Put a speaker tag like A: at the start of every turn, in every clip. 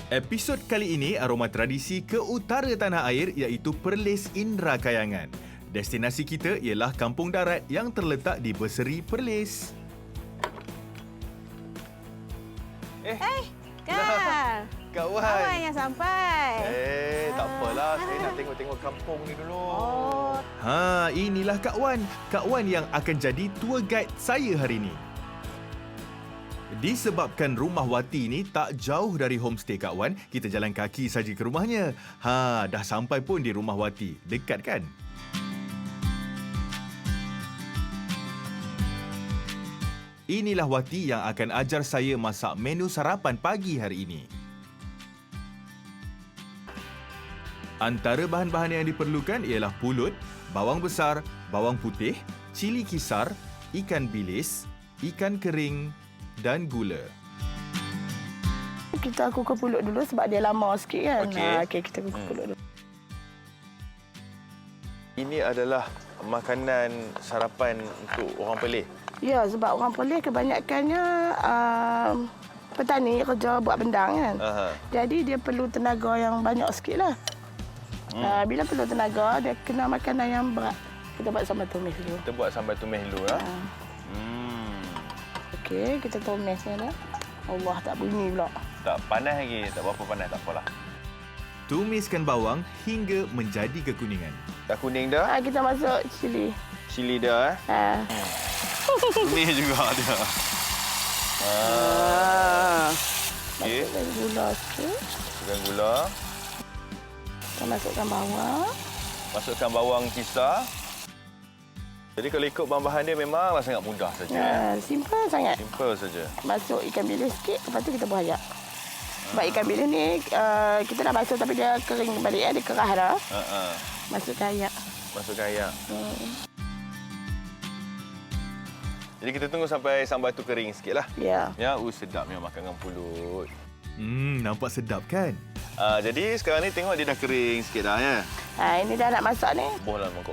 A: Episod kali ini aroma tradisi ke utara tanah air iaitu Perlis Indra Kayangan. Destinasi kita ialah Kampung Darat yang terletak di Berseri Perlis.
B: Kak.
A: Kawan.
B: Kawan yang sampai.
A: Tak apalah. Saya nak tengok-tengok kampung ni dulu.
B: Oh.
A: Inilah Kak Wan. Kak Wan yang akan jadi tour guide saya hari ini. Disebabkan rumah Wati ni tak jauh dari homestay Kak Wan, kita jalan kaki saja ke rumahnya. Dah sampai pun di rumah Wati. Dekat kan? Inilah Wati yang akan ajar saya masak menu sarapan pagi hari ini. Antara bahan-bahan yang diperlukan ialah pulut, bawang besar, bawang putih, cili kisar, ikan bilis, ikan kering dan gula.
B: Kita kukus pulut dulu sebab dia lama sikit kan. Okey, kita kukus pulut dulu.
A: Ini adalah makanan sarapan untuk orang Perlis.
B: Ya, sebab orang Perlis kebanyakannya petani kerja buat bendang kan. Jadi dia perlu tenaga yang banyak sikit lah. Bila perlu tenaga, dia kena makanan yang berat. Kita buat sambal tumis dulu.
A: Kita buat sambal tumis dulu lah.
B: Okey, kita tumis ni dah. Allah, tak bunyi pula.
A: Tak panas lagi, tak berapa panas, tak apalah. Tumiskan bawang hingga menjadi kekuningan. Dah kuning dah?
B: Kita masuk cili.
A: Cili dah Tumis juga dia. Okey.
B: Masukkan gula sikit.
A: Masukkan gula.
B: Kita masukkan bawang.
A: Masukkan bawang kisar. Jadi kalau ikut bahan-bahan dia memanglah sangat mudah saja.
B: Simple sangat.
A: Simple saja.
B: Masuk ikan bilis sikit, lepas tu kita buah ayak. Sebab ikan bilis ni kita dah basuh tapi dia kering balik, dia kerah dah. Masukkan ayak.
A: Masukkan ayak. Jadi kita tunggu sampai sambal tu kering sikitlah.
B: Ya.
A: Sedapnya makan dengan pulut. Nampak sedap kan? Jadi sekarang ni tengok dia dah kering sikit dah ya.
B: Ini dah nak masak ni.
A: Bohlah mangkuk.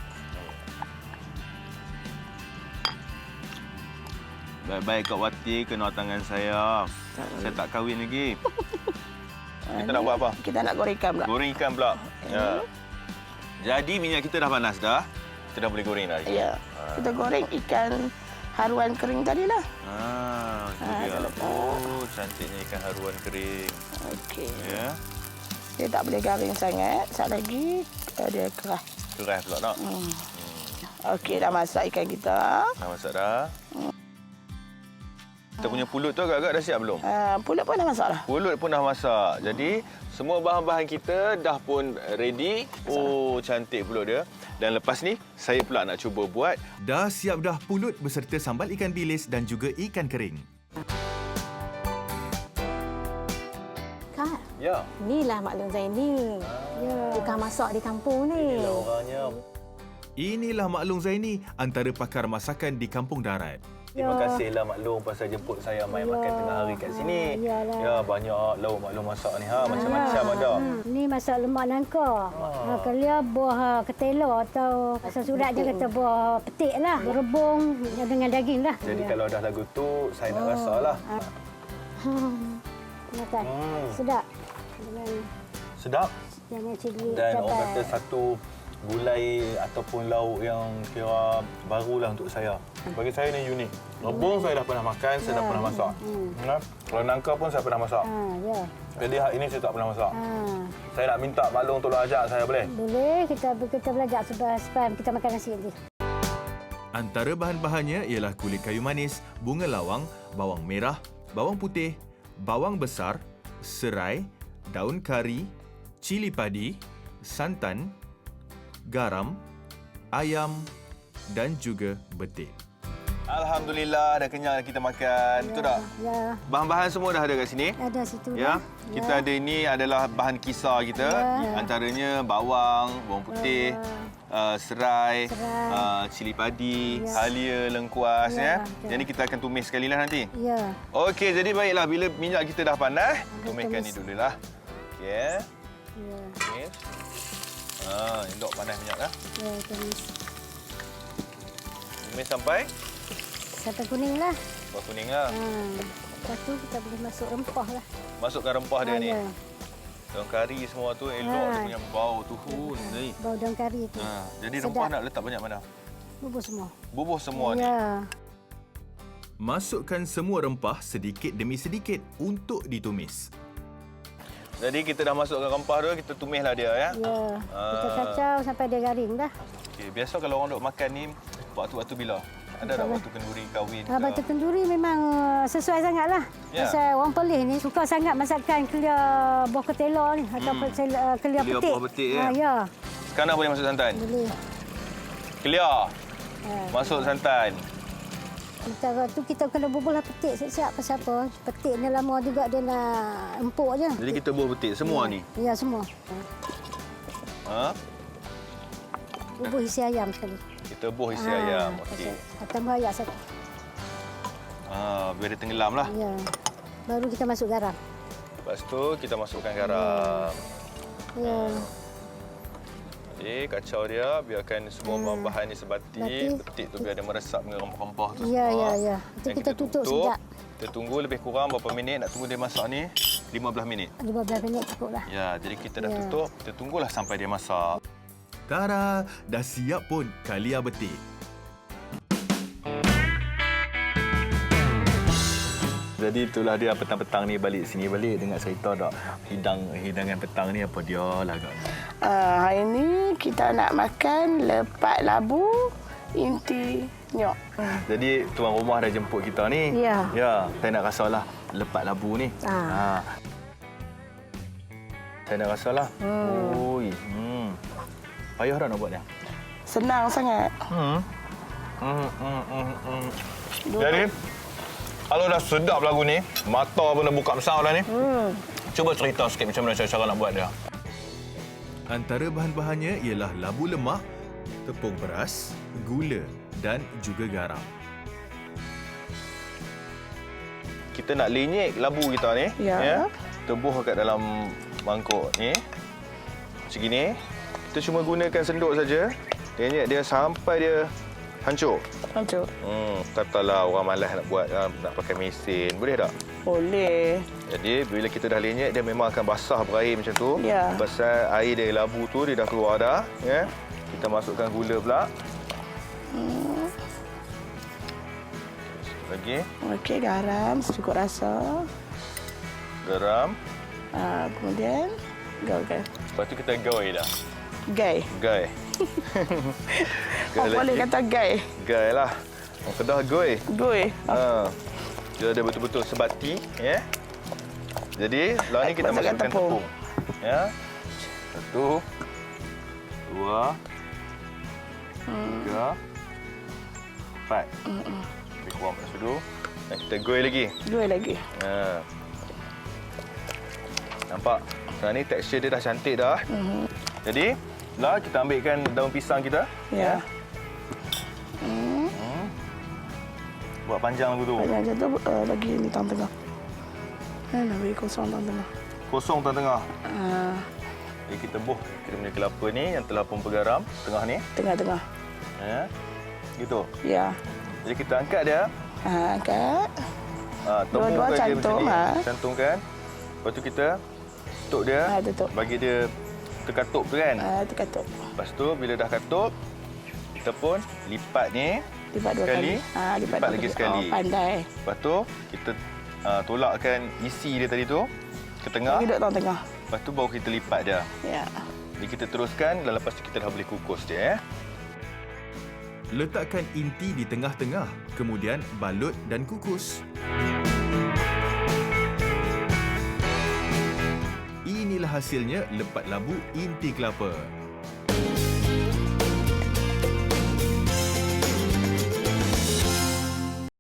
A: Baik-baik Kak Wati kena tangan saya. Saya tak kahwin lagi. Kita nak buat apa?
B: Kita nak goreng ikan pula.
A: Goreng ikan pula. Ya. Jadi minyak kita dah panas dah. Kita dah boleh goreng dah.
B: Ya. Kita goreng ikan haruan kering tadi lah.
A: Itu dia. Cantiknya ikan haruan kering.
B: Okey.
A: Ya.
B: Dia tak boleh garing sangat. Sekejap lagi dia kerah.
A: Kerah pula tak?
B: Okey, dah masak ikan kita.
A: Dah masak dah. Kita punya pulut tu agak-agak dah siap belum?
B: Pulut pun dah masak dah.
A: Pulut pun dah masak. Jadi, semua bahan-bahan kita dah pun ready. Cantik pulut dia. Dan lepas ni, saya pula nak cuba buat. Dah siap dah pulut beserta sambal ikan bilis dan juga ikan kering.
C: Kak,
A: Ya.
C: inilah Mak Long Zaini. Tukang masak di kampung ni.
A: Inilah orangnya. Inilah Mak Long Zaini, antara pakar masakan di Kampung Darat. Terima kasihlah Mak Long pasal jemput saya main makan tengah hari kat sini. Ya, banyak lauk Mak Long masak ni. Macam-macam ada.
D: Ni masak lemak nangka. Kalau buah ketela atau sesurat je kata buah petik lah. Berebung dengan daging lah.
A: Jadi kalau dah lagu tu, saya nak rasa lah.
D: Makan. Sedap.
A: Sedap.
D: Dengan cili
A: Dan
D: cabai.
A: orang kata satu gulai ataupun lauk yang kira barulah untuk saya. Bagi saya ni unik. Rebung saya dah pernah makan, saya dah pernah masak. Kalau nangka pun saya pernah masak.
D: Ya.
A: Jadi hari ini saya tak pernah masak. Saya nak minta Mak Long tolong ajar saya, boleh?
D: Boleh kita belajar supaya kita makan nasi nanti.
A: Antara bahan-bahannya ialah kulit kayu manis, bunga lawang, bawang merah, bawang putih, bawang besar, serai, daun kari, cili padi, santan, garam, ayam dan juga betik. Alhamdulillah dah kenyang kita makan. Betul tak?
D: Ya.
A: Bahan-bahan semua dah ada kat sini.
D: Ada situ.
A: Ya.
D: dah.
A: Kita ada ini adalah bahan kisar kita. Antaranya bawang putih, serai, cili padi, halia, lengkuas ya. Jadi kita akan tumis sekali lah nanti.
D: Ya.
A: Okey, jadi baiklah bila minyak kita dah panas, tumiskan ni dululah. Okey.
D: Ya.
A: Tumis. Elok panas minyak dah.
D: Ya, tumis.
A: Tumis sampai
D: Sampai kuning lah.
A: kuning lah.
D: Lepas tu kita boleh masuk rempah lah.
A: masukkan rempah dia ni.
D: Ya.
A: Daun kari semua tu elok dia punya bau tu. Ni.
D: Bau daun kari tu.
A: Jadi
D: Sedap.
A: rempah nak letak banyak mana?
D: Bubur semua.
A: Bubuh semua ni.
D: Ya.
A: Masukkan semua rempah sedikit demi sedikit untuk ditumis. Jadi kita dah masukkan rempah tu, kita tumislah dia ya.
D: Ya. Kita kacau sampai dia garing dah.
A: Okey, biasa kalau orang duk makan ni waktu-waktu bila? Ada tak waktu kenduri kahwin?
D: Batu kenduri memang sesuai sangatlah.
A: Ya.
D: Pasal orang Perlis ni suka sangat masakan kelia buah ketela ni atau kelia petik.
A: buah petik ya.
D: Ya.
A: Sekarang boleh masuk santan.
D: Boleh.
A: Clear.
D: Ha.
A: Masuk santan.
D: Sementara tu kita kena bubuhlah petik siap-siap. Pasal apa? Petik ni lama juga dia nak empuk je.
A: Jadi kita buah petik semua ni.
D: Ya, semua.
A: Ha?
D: Bubuh isi ayam sekali.
A: Kita buah isi ayam. Okey.
D: Tambah ayam satu.
A: Biar dia tenggelam lah.
D: Ya. Baru kita masuk garam.
A: Lepas tu kita masukkan garam.
D: Ya.
A: Okey, kacau dia. Biarkan semua bahan-bahan ni sebati. Petik tu biar dia meresap dengan rempah-rempah tu
D: Ya,
A: semua.
D: ya, ya. Itu
A: Dan
D: kita tutup sekejap.
A: Kita tunggu lebih kurang berapa minit. Nak tunggu dia masak ni? 15 minit.
D: 15 minit cukup lah.
A: Ya, jadi kita dah
D: Ya.
A: tutup. Kita tunggulah sampai dia masak. Tara, dah siap pun kalia betik. Jadi itulah dia petang-petang ni balik sini balik dengar cerita tak hidangan petang ni apa dia lah agaknya.
B: Hari ni kita nak makan lepak labu inti nyok.
A: Jadi tuan rumah dah jemput kita ni.
B: Ya.
A: Ya, saya nak rasalah lepak labu ni. Saya nak rasalah. Oi. Payah dah nak buat dia.
B: Senang sangat.
A: Jadi kalau dah sedap lagu ni, mata pun dah buka besar dah ni. Cuba cerita sikit macam mana cara nak buat dia. Antara bahan-bahannya ialah labu lemak, tepung beras, gula dan juga garam. Kita nak lenyek labu kita ni.
B: Ya.
A: Tebuh kat dalam mangkuk ni. Macam gini. Kita cuma gunakan senduk saja. Lenyek dia sampai dia hancur.
B: Hancur.
A: Katalah orang malas nak buat, nak pakai mesin. Boleh tak?
B: Boleh.
A: Jadi bila kita dah lenyek dia memang akan basah berair macam tu.
B: Ya.
A: Pasal air dari labu tu dia dah keluar dah, ya. Kita masukkan gula pula. Lagi
B: Okey, garam secukup rasa.
A: garam.
B: Kemudian gaul.
A: Lepas tu kita goi dah.
B: Gai.
A: Gai.
B: Oh, boleh kata gai.
A: Gai lah. Orang Kedah goi.
B: Gui.
A: Dia ada betul-betul sebati, ya. Jadi, setelah ni kita
B: Masukkan
A: masukkan
B: tepung.
A: tepung. Ya. 1 2 3 4. Lebih kurang macam tu. Dan kita goi lagi.
B: Gui lagi.
A: Nampak? Sekarang ni tekstur dia dah cantik dah. Jadi, lah kita ambilkan daun pisang kita.
B: Ya.
A: Buat panjang lagu tu.
B: Banyak je tu lagi ni tengah-tengah. Nak bagi kosong tengah-tengah.
A: Kosong tengah-tengah. Jadi kita buh kita punya kelapa ni yang telah pun bergaram tengah ni.
B: Tengah-tengah.
A: Ya. Gitu.
B: Ya.
A: Jadi kita angkat dia.
B: Angkat.
A: Temukan
B: Dua-dua
A: dia
B: cantum,
A: macam ni. Cantumkan. Lepas tu kita tutup dia.
B: Tutup.
A: Bagi dia terkatup tu kan.
B: Terkatup.
A: Lepas tu bila dah katup, kita pun lipat ni.
B: Lipat dua
A: sekali.
B: kali.
A: Lipat lagi sekali.
B: Pandai.
A: Lepas tu kita tolakkan isi dia tadi tu ke tengah.
B: Duduk tengah.
A: Lepas tu baru kita lipat dia.
B: Ya.
A: Jadi kita teruskan dan lepas tu kita dah boleh kukus dia. Letakkan inti di tengah-tengah, kemudian balut dan kukus. Inilah hasilnya lepat labu inti kelapa.